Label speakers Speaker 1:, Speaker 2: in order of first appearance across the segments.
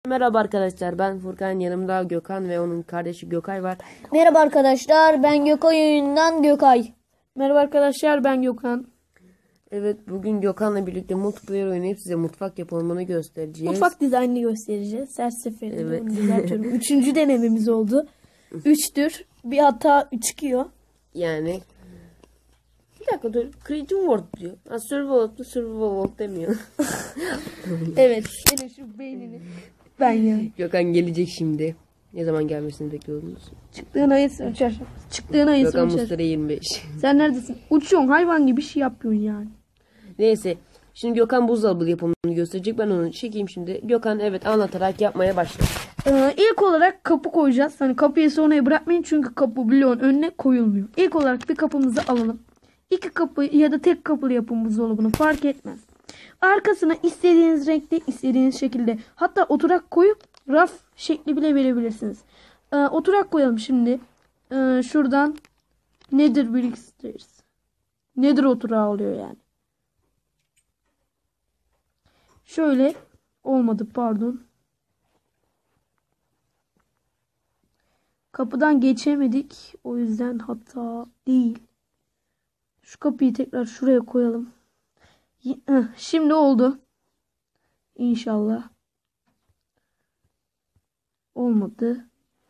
Speaker 1: Merhaba arkadaşlar, ben Furkan, yanımda Gökhan ve onun kardeşi Gökay var.
Speaker 2: Merhaba arkadaşlar, ben Gökay oyundan Gökay.
Speaker 3: Merhaba arkadaşlar, ben Gökhan.
Speaker 1: Evet, bugün Gökhan'la birlikte multiplayer oynayıp size mutfak yapımını göstereceğiz.
Speaker 3: Mutfak dizaynını göstereceğiz. Her seferinde
Speaker 1: Evet.
Speaker 3: onu düzeltiyorum. Üçüncü denememiz oldu. Üçtür. Bir hata çıkıyor.
Speaker 1: Yani bir dakika dur, Creative World diyor. Survival World demiyor.
Speaker 3: Evet, senin şu beynini. Ben ya.
Speaker 1: Gökhan gelecek şimdi. Ne zaman gelmesini bekliyordunuz?
Speaker 3: Çıktığın ayı ölçer. Çıktığın ayı
Speaker 1: Gökhan
Speaker 3: ölçer.
Speaker 1: Mustara 25.
Speaker 3: Sen neredesin? Uçuyorsun, hayvan gibi şey yapıyorsun yani.
Speaker 1: Neyse. Şimdi Gökhan buzdolabı yapımını gösterecek. Ben onu çekeyim şimdi. Gökhan evet anlatarak yapmaya başla.
Speaker 3: İlk olarak kapı koyacağız. Hani kapıyı sonraya bırakmayın çünkü kapı bloğun önüne koyulmuyor. İlk olarak bir kapımızı alalım. İki kapı ya da tek kapılı yapın buzdolabını fark etmez. Arkasına istediğiniz renkte, istediğiniz şekilde, hatta oturak koyup raf şekli bile verebilirsiniz. Oturak koyalım şimdi. Şuradan Nether Brickstairs. Nether oturağı oluyor yani. Şöyle olmadı, pardon. Kapıdan geçemedik. O yüzden hata değil. Şu kapıyı tekrar şuraya koyalım. Şimdi oldu. İnşallah. Olmadı.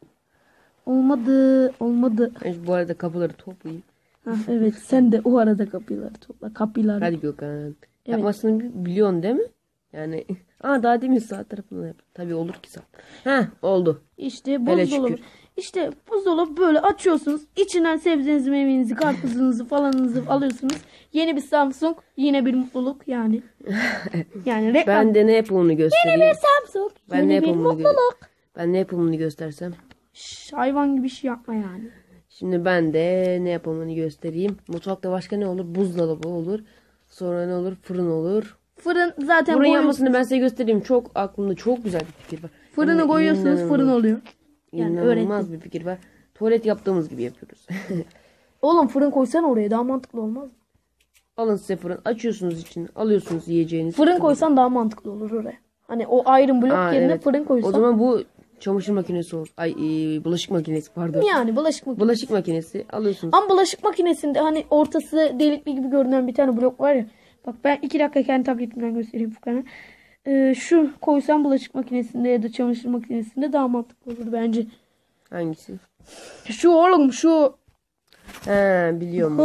Speaker 3: Olmadı.
Speaker 1: Ben bu arada kapıları toplayayım.
Speaker 3: Evet, sen de o arada kapıları topla. Kapıları.
Speaker 1: Hadi Gökhan. Yapmasını biliyorsun değil mi? Yani daha demin sağ tarafını yap. Tabii olur ki sağ. Oldu.
Speaker 3: İşte
Speaker 1: Hele
Speaker 3: buzdolabı.
Speaker 1: şükür.
Speaker 3: İşte buzdolabı böyle açıyorsunuz. İçinden sebzenizi, meyvenizi, karpuzunuzu falanınızı alıyorsunuz. Yeni bir Samsung, yine bir mutluluk yani. Yani reklam.
Speaker 1: Ben de ne yapımını göstereyim.
Speaker 3: Yeni bir Samsung,
Speaker 1: Ben ne
Speaker 3: yeni bir
Speaker 1: yapımını
Speaker 3: mutluluk.
Speaker 1: Ben ne yapımını göstersem.
Speaker 3: Hayvan gibi şey yapma yani.
Speaker 1: Şimdi ben de ne yapımını göstereyim. Mutfakta başka ne olur? Buzdolabı olur. Sonra ne olur? Fırın olur.
Speaker 3: Fırın zaten
Speaker 1: Fırın yapmasını ben size göstereyim. Çok aklımda çok güzel bir fikir var.
Speaker 3: Fırını
Speaker 1: Yani
Speaker 3: koyuyorsunuz, fırın oluyor. Yani
Speaker 1: İnanılmaz bir fikir var. Tuvalet yaptığımız gibi yapıyoruz.
Speaker 3: Oğlum fırın koysan oraya daha mantıklı olmaz mı?
Speaker 1: Alın size fırın. Açıyorsunuz için. Alıyorsunuz yiyeceğinizi.
Speaker 3: Fırın koysan daha mantıklı olur oraya. Hani o iron blok yerine
Speaker 1: evet.
Speaker 3: fırın koysan.
Speaker 1: O zaman bu çamaşır makinesi olur. Bulaşık makinesi pardon.
Speaker 3: Yani bulaşık makinesi.
Speaker 1: Bulaşık makinesi alıyorsunuz.
Speaker 3: Ama bulaşık makinesinde hani ortası delikli gibi görünen bir tane blok var ya. Bak ben 2 dakika kendi tabletimden göstereyim Furkan'a. Şu koysam bulaşık makinesinde ya da çamaşır makinesinde daha mantıklı olur bence.
Speaker 1: Hangisi?
Speaker 3: Şu oğlum şu.
Speaker 1: Biliyorum.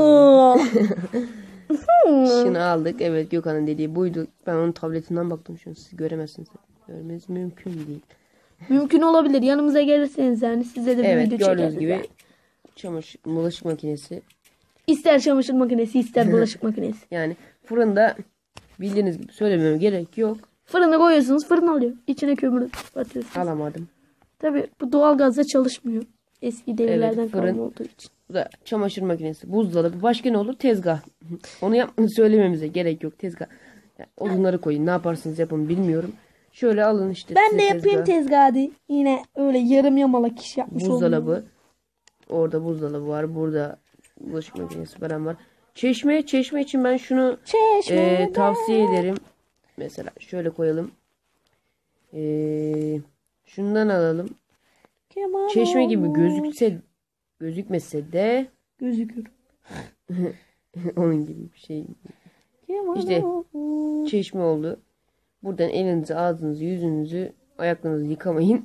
Speaker 1: Şunu aldık. Evet Gökhan'ın dediği buydu. Ben onun tabletinden baktım şu an. Siz göremezsiniz. Görmeniz mümkün değil.
Speaker 3: Mümkün olabilir. Yanımıza gelirseniz yani size de bir
Speaker 1: Evet
Speaker 3: video
Speaker 1: gördüğünüz
Speaker 3: çekeriz.
Speaker 1: gibi
Speaker 3: Yani.
Speaker 1: bulaşık makinesi.
Speaker 3: İster çamaşır makinesi ister bulaşık makinesi.
Speaker 1: Yani fırında bildiğiniz gibi söylememe gerek yok.
Speaker 3: Fırına koyuyorsunuz, fırın alıyor. İçine kömür atıyorsunuz.
Speaker 1: Alamadım.
Speaker 3: Tabii bu doğalgazla çalışmıyor. Eski devirlerden
Speaker 1: Evet, fırın.
Speaker 3: kalma olduğu için.
Speaker 1: Bu da çamaşır makinesi, buzdolabı. Başka ne olur? Tezgah. Onu söylememize gerek yok. Tezgah. Yani odunları koyun. Ne yaparsınız yapın bilmiyorum. Şöyle alın işte.
Speaker 3: Ben
Speaker 1: size
Speaker 3: de yapayım tezgahı. Yine öyle yarım yamalak iş yapmış oldum.
Speaker 1: Buzdolabı. Orada buzdolabı var. Burada bulaşık makinesi falan var. Çeşme için ben şunu tavsiye ederim. Mesela şöyle koyalım. Şundan alalım. Çeşme gibi gözükmese de
Speaker 3: gözükür.
Speaker 1: onun gibi bir şey. İşte çeşme oldu. Buradan elinizi, ağzınızı, yüzünüzü, ayaklarınızı yıkamayın.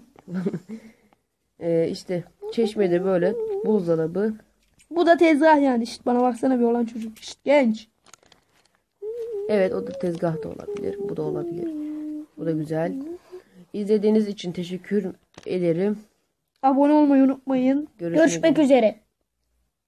Speaker 1: İşte çeşmede böyle buzdolabı.
Speaker 3: Bu da tezgah yani. İşte bana baksana bir olan çocuk. İşte genç.
Speaker 1: Evet o da tezgah da olabilir. Bu da olabilir. Bu da güzel. İzlediğiniz için teşekkür ederim.
Speaker 3: Abone olmayı unutmayın. Görüşmek üzere.